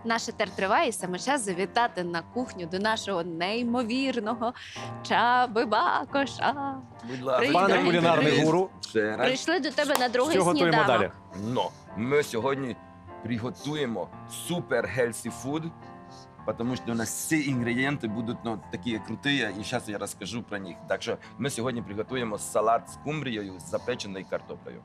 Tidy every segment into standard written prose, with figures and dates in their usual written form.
Наш етер триває, і саме час завітати на кухню до нашого неймовірного Чаби Бакоша. Будь ласка. Привіт, Пане привіт, кулінарний привіт. гуру, Ще раз. Прийшли до тебе на другий що готуємо сніданок. далі? Но ми сьогодні приготуємо супер healthy food, тому що у нас всі інгредієнти будуть такі круті, і зараз я розкажу про них. Так що ми сьогодні приготуємо салат з скумбрією з запеченою картоплею.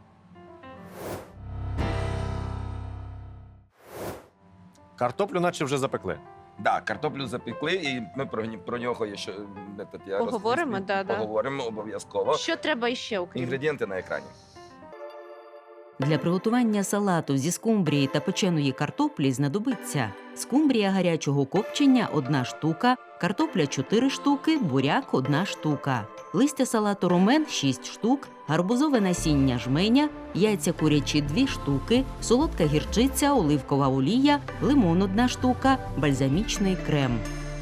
Картоплю наче вже запекли. Да, картоплю запекли, і ми про нього ще я Поговоримо, розповім. да. Поговоримо обов'язково. Що треба іще, окрім? Інгредієнти на екрані. Для приготування салату зі скумбрії та печеної картоплі знадобиться скумбрія гарячого копчення – 1 штука, картопля – 4 штуки, буряк – 1 штука, листя салату ромен – 6 штук, гарбузове насіння жменя, яйця курячі – 2 штуки, солодка гірчиця, оливкова олія, лимон – 1 штука, бальзамічний крем.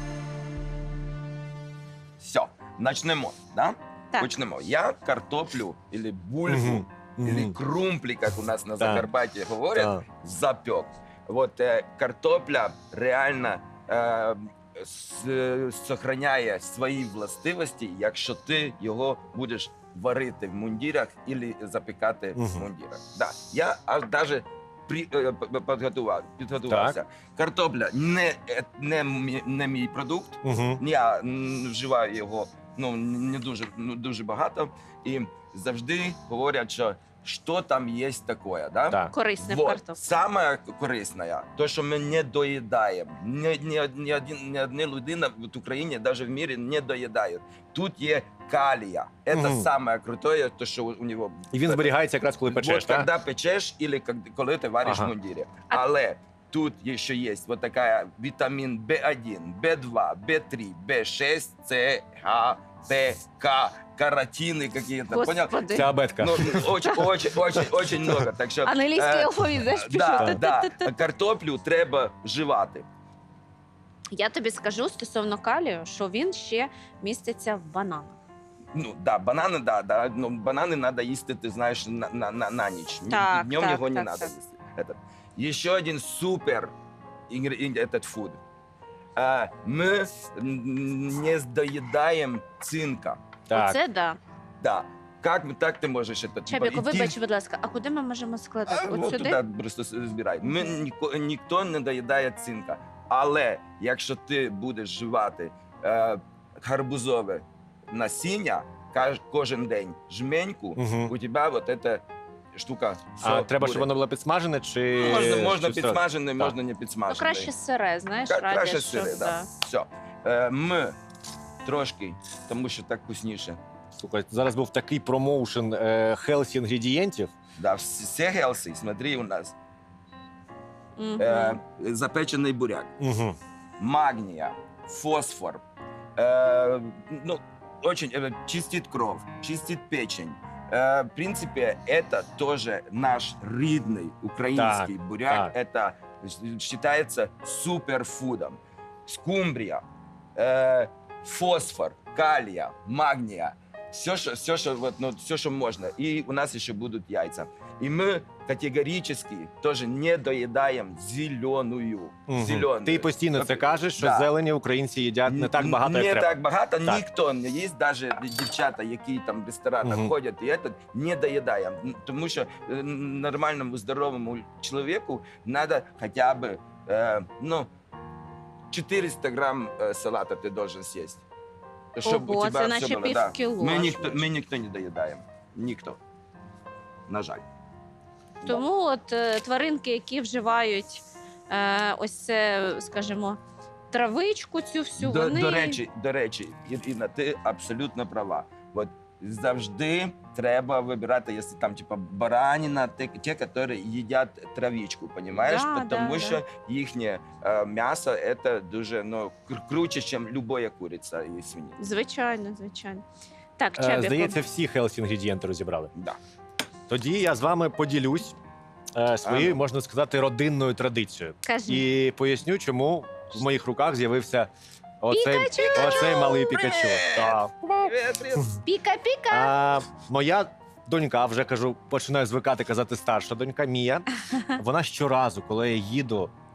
Все, почнемо. Да? Так. Почнемо. Я картоплю, або бульбу, или крумплі, як у нас на Закарпатті говорять, запек. Вот картопля реально сохраняє свої властивості, якщо ти його будеш варити в мундирах або запікати в мундирах. Да. Я аж навіть підготувався. Картопля не мій продукт, я вживаю його не дуже багато, і завжди говорять, що там є таке, да? Так. Корисне в Вот. картоплі. Саме корисне, то, що ми не доїдаємо. Ні одна людина в Україні, навіть в мірі, не доїдає. Тут є калія. Це саме круте, то, що у нього... І він зберігається якраз, коли печеш, Вот, так? коли печеш, або коли ти вариш в мундирі. Але тут ще є вот така вітамін В1, В2, В3, В6, С, Г, Т, К, каротини какие-то. Понял? Господи. Це абетка. Очень много. Так що, Англійський алфавіт, знаєш, пішов. да. Картоплю треба вживати. Я тобі скажу стосовно калію, що він ще міститься в бананах. Банани, банани треба їсти, ти знаєш, на ніч. Так, Днем так, його не так, треба так. їсти. Ще один супер фуд. Ми не доїдаємо цинка. Так. Оце да. Да. Как ти можеш це? Чабіку, вибач, будь ласка, а куди ми можемо складати? От От сюди? туди просто збирай. Ніхто не доїдає цинка. Але якщо ти будеш вживати гарбузове насіння кожен день, жменьку, у тебе вот ця штука. А треба, буде. щоб воно було підсмажене, чи... Можна чи все? підсмажене, Так. можна не Ну, підсмажене. краще сире, знаєш, Краще радять, сире, щоб, да. Все. Ми трошки, тому що так вкусніше. Слухай, зараз був такий промоушен хелсі інгредієнтів. Да, все гелси, смотри у нас. Мгм. Запечений буряк, магния, фосфор, очень чистит кровь, чистит печень. В принципе, это тоже наш рідний український буряк. Это считается суперфудом. Скумбрия, фосфор, калия, магния. Все, що можна. І у нас ще будуть яйця. І ми категорично теж не доїдаємо зеленую. Ти постійно це кажеш, що Да. зелені українці їдять не так багато, як Не треба. так багато, Так. ніхто не їсть, навіть дівчата, які там в ресторанах ходять, і це не доїдає. Тому що нормальному, здоровому чоловіку треба хоча б 400 грам салата ти должен з'їсти. Ого, це наче півкіло. Ми ніхто не доїдаємо. Ніхто. На жаль. Тому от тваринки, які вживають ось це, скажімо, травичку цю всю, вони... До речі, Інна, ти абсолютно права. От завжди треба вибирати, якщо там типа баранина, ті, які їдять травичку, розумієш? Тому що їхнє м'ясо це дуже круче, ніж будь-яка куриця і свинина. Звичайно, звичайно. Так, Чабіку. Здається, всі хелсі інгредієнти розібрали. Да. Тоді я з вами поділюсь своєю, можна сказати, родинною традицією. Кажи. І поясню, чому в моїх руках з'явився оцей малий Пікачу. Так. Піка-піка! Моя донька, вже кажу, починаю звикати казати старша донька Мія. Вона щоразу, коли я їду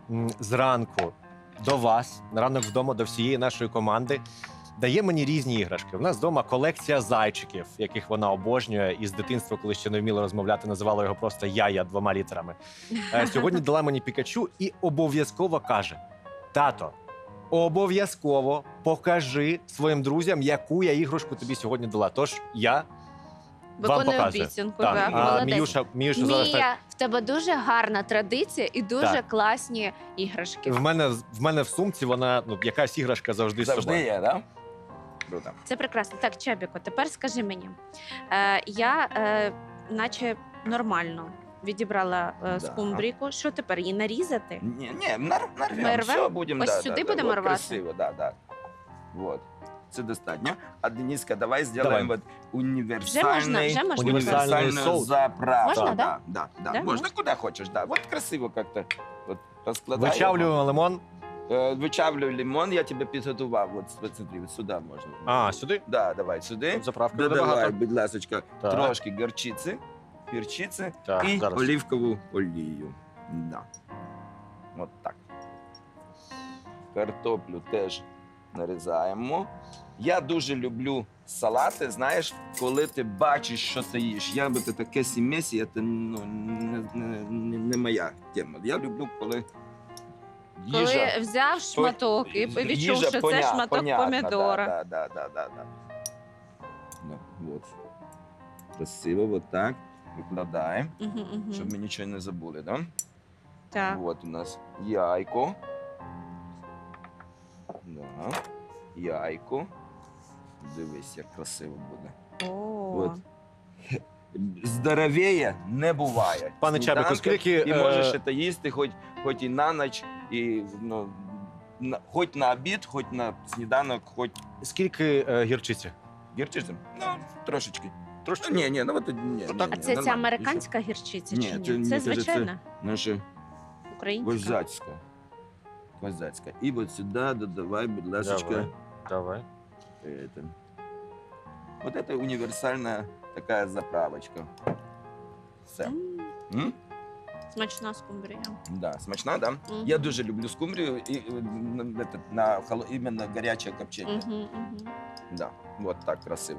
зранку до вас, на ранок вдома до всієї нашої команди, дає мені різні іграшки. У нас вдома колекція зайчиків, яких вона обожнює. І з дитинства, коли ще не вміла розмовляти, називала його просто «Яя» 2 літерами. Сьогодні дала мені Пікачу і обов'язково каже: тато, обов'язково покажи своїм друзям, яку я іграшку тобі сьогодні дала. Тож я вам Виконує показую. обіцянку. Так. Так, А молодець. Міюша зараз так. Мія, в тебе дуже гарна традиція і дуже Так. класні іграшки. В мене в сумці вона, якась іграшка завжди з Завжди собою. є, да? Круто. Це прекрасно. Так, Чабіко, тепер скажи мені. Я наче нормально відібрала Да. скумбрійку. Що тепер, її нарізати? Ні, Ми нарвемо, рвем? все, будемо. Ось сюди будемо вот, рвати? Красиво, да. Вот. Це достатньо. А Дениска, давай зробимо вот універсальний, Вже можна Універсальний універсальну соус. заправку. Можна, да? да? Да. Да, Можна куди хочеш, да. Вот красиво як-то вот, розкладаємо. Вичавлюємо лимон. Вичавлю лимон, я тебе підготував. Вот смотри, вот сюди можна. А, сюди? Да, давай сюди. Тут заправки буде Додавай, багато. будь ласочка, Так. трошки горчиці, перчиці Так, і зараз. олівкову олію. Да. От так. Картоплю теж нарізаємо. Я дуже люблю салати, знаєш, коли ти бачиш, що ти їш. Я би таке сімесі, це не моя тема. Я люблю, коли їжа. Коли взяв шматок і відчув, їжа що це шматок понятна, помідора. Да. Ну, вот. Красиво, вот так. Викладаємо, Мгм. щоб ми нічого не забули, да? Так. Вот у нас яйко. Да. Яйко. Дивись, як красиво буде. О. От. Здоровіє не буває. Пане Чабіку, Сніданка, скільки, і можеш це їсти хоч і на ніч, і хоч на обід, хоч на сніданок, хоч Скільки гірчиці? гірчицем. Ну, трошечки. Трошки? Ні, ну от ні. так. А це ця американська гірчиця Ні, чи це, ні? мені Це кажеться, звичайна Наша українська. козацька. Козацька. І от сюди додавай, будь ласка, Давай. это. Вот это универсальная такая заправочка. Все. М? Смачна скумбрія. Да, смачна, да? Мгм. Я дуже люблю скумбрію і іменно гаряче копчення. Мгм. Да. Вот так красиво.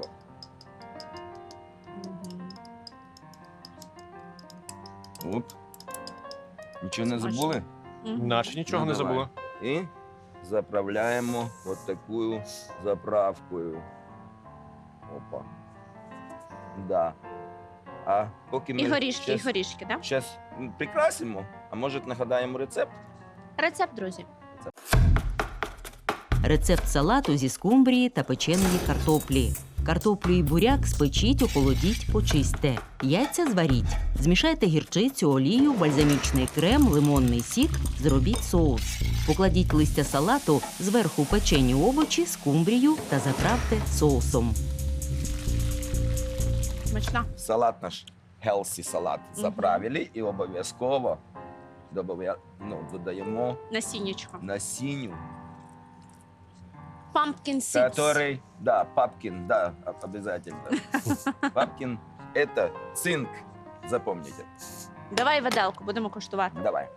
Оп. Нічого не Смачно. забули? Наче нічого Ну, не давай. забула. І заправляємо от такою заправкою. Опа. Да. А поки ми І горішки, так? Зараз прикрасимо, а може нагадаємо рецепт? Рецепт, друзі. Рецепт салату зі скумбрії та печеної картоплі. Картоплю і буряк спечіть, охолодіть, почистьте. Яйця зваріть. Змішайте гірчицю, олію, бальзамічний крем, лимонний сік, зробіть соус. Покладіть листя салату, зверху печені овочі, скумбрію та заправте соусом. Смачна. Салат наш healthy салат заправили і обов'язково додаємо Насіннячко. насінню, Pumpkin seeds. который, да, папкин, да, обязательно. Папкин – это цинк, запомните. Давай виделку, будемо коштувати. Давай.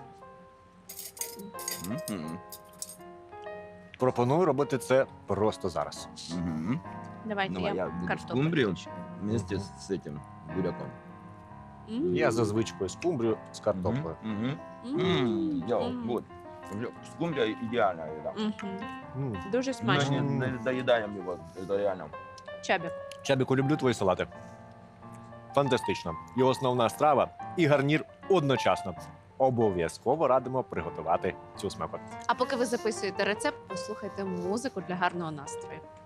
Мгм. Пропоную робити це просто зараз. Мгм. Давайте Давай, я я буду картоплю. скумбрію включу. вместе с этим буряком. Я за звичкою скумбрію з картоплею. Мгм. М. Йоу, М. вот. Скумбрия ідеальна їда. Мгм. М. Дуже Мы смачно. не доедаем его, это реально. Чабік. Чабіку, люблю твої салати. Фантастично. І основна страва, і гарнір одночасно. Обов'язково радимо приготувати цю смакоту. А поки ви записуєте рецепт, послухайте музику для гарного настрою.